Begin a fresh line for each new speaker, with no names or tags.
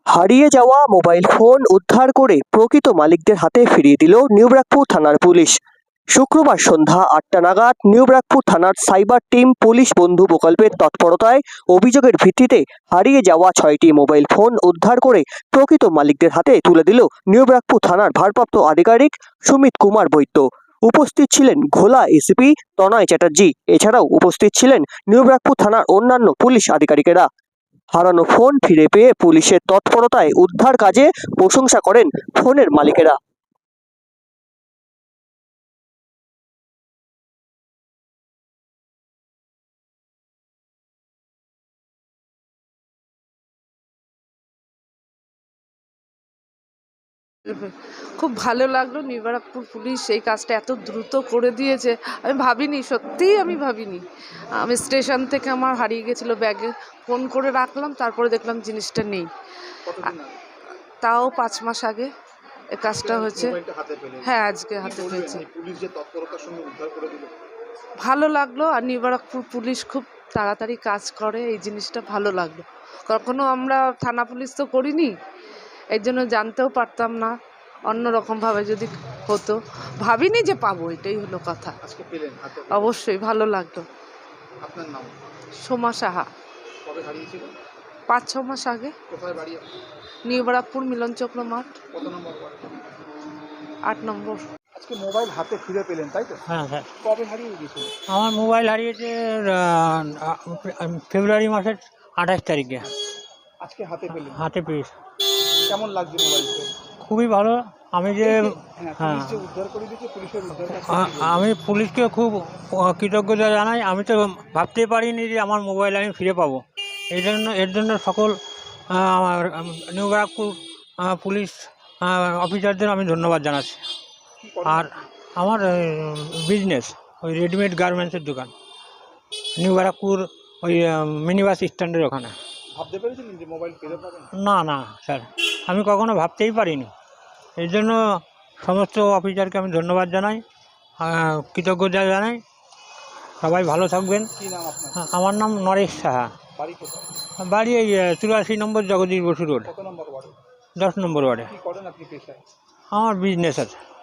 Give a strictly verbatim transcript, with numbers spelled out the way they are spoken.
হারিয়ে যাওয়া mobile phone উদ্ধার করে প্রকৃত মালিকদের হাতে ফিরিয়ে দিল নিউব্রাকপুর থানার পুলিশ। শুক্রবার সন্ধ্যা আটটা নাগাদ নিউব্রাকপুর থানার সাইবার টিম পুলিশ বন্ধু প্রকল্পের তৎপরতায় অভিযোগের ভিত্তিতে হারিয়ে যাওয়া ছয়টি মোবাইল ফোন উদ্ধার করে প্রকৃত মালিকদের হাতে তুলে দিল নিউব্রাকপুর থানার ভারপ্রাপ্ত আধিকারিক সুমিত কুমার বৈদ্য। উপস্থিত ছিলেন ঘোলা এসিপি তনয় চ্যাটার্জি। এছাড়াও উপস্থিত ছিলেন নিউব্রাকপুর থানার অন্যান্য পুলিশ আধিকারিকেরা। হারানো ফোন ফিরে পেয়ে পুলিশের তৎপরতায় উদ্ধার কাজে প্রশংসা করেন ফোনের মালিকেরা।
খুব ভালো লাগলো, নিউব্রাকপুর পুলিশ এই কাজটা এত দ্রুত করে দিয়েছে। আমি ভাবিনি, সত্যিই আমি ভাবিনি। আমি স্টেশন থেকে আমার হারিয়ে গেছিলো ব্যাগে, ফোন করে রাখলাম, তারপরে দেখলাম জিনিসটা নেই। তাও পাঁচ মাস আগে এই কাজটা হয়েছে। হ্যাঁ, আজকে হাতে পেয়েছি। ভালো লাগলো। আর নিউব্রাকপুর পুলিশ খুব তাড়াতাড়ি কাজ করে, এই জিনিসটা ভালো লাগলো। কখনো আমরা থানা পুলিশ তো করিনি, এই জন্য জানতেও পারতাম না। অন্যরকমভাবে যদি হতো, ভাবিনি যে পাবো, এটাই হলো কথা। অবশ্যই ভালো লাগলো।
আপনার নাম?
সোমা সাহা।
কবে হারিয়েছিল?
পাঁচ ছ মাস আগে।
কোথায় বাড়ি?
নিউব্রাকপুর মিলন চক্র মাঠ।
কত নম্বর ওয়ার্ড?
আট নম্বর।
আজকে মোবাইল হাতে ফিরে পেলেন, তাই তো?
হ্যাঁ হ্যাঁ,
কবে হারিয়ে গিয়েছিল?
আমার মোবাইল হারিয়েছে ফেব্রুয়ারি মাসের আঠাশ তারিখে।
আজকে হাতে পেলেন?
হাতে পেয়েছি।
কেমন লাগছে মোবাইল পেয়ে?
খুবই ভালো। আমি যে
হ্যাঁ,
হ্যাঁ
পুলিশ যে উদ্ধার করে দিয়েছে, পুলিশের উদ্ধার
আ- আমি পুলিশকে খুব কৃতজ্ঞতা জানাই। আমি তো ভাবতেই পারিনি যে আমার মোবাইল আমি ফিরে পাবো। এই জন্য এর জন্য সকল নিউব্রাকপুর পুলিশ অফিসারদের আমি ধন্যবাদ জানাচ্ছি। আর আমার বিজনেস ওই রেডিমেড গার্মেন্টসের দোকান, নিউব্রাকপুর ওই মিনি বাস স্ট্যান্ডের ওখানে।
ভাবতে পেরেছিলেন যে মোবাইল ফিরে পাবেন?
না না স্যার, আমি কখনো ভাবতেই পারিনি। এই জন্য সমস্ত অফিসারকে আমি ধন্যবাদ জানাই, কৃতজ্ঞতা জানাই। সবাই ভালো থাকবেন।
কি নাম আপনার?
আমার নাম নরেশ সাহা।
বাড়ি কোথায়?
বাড়ি এই চুরাশি নম্বর জগদীশ বসু রোড,
কত নম্বর ওয়ার্ড?
দশ নম্বর ওয়ার্ডে।
কি করেন আপনি পেশায়?
আমার বিজনেস আছে।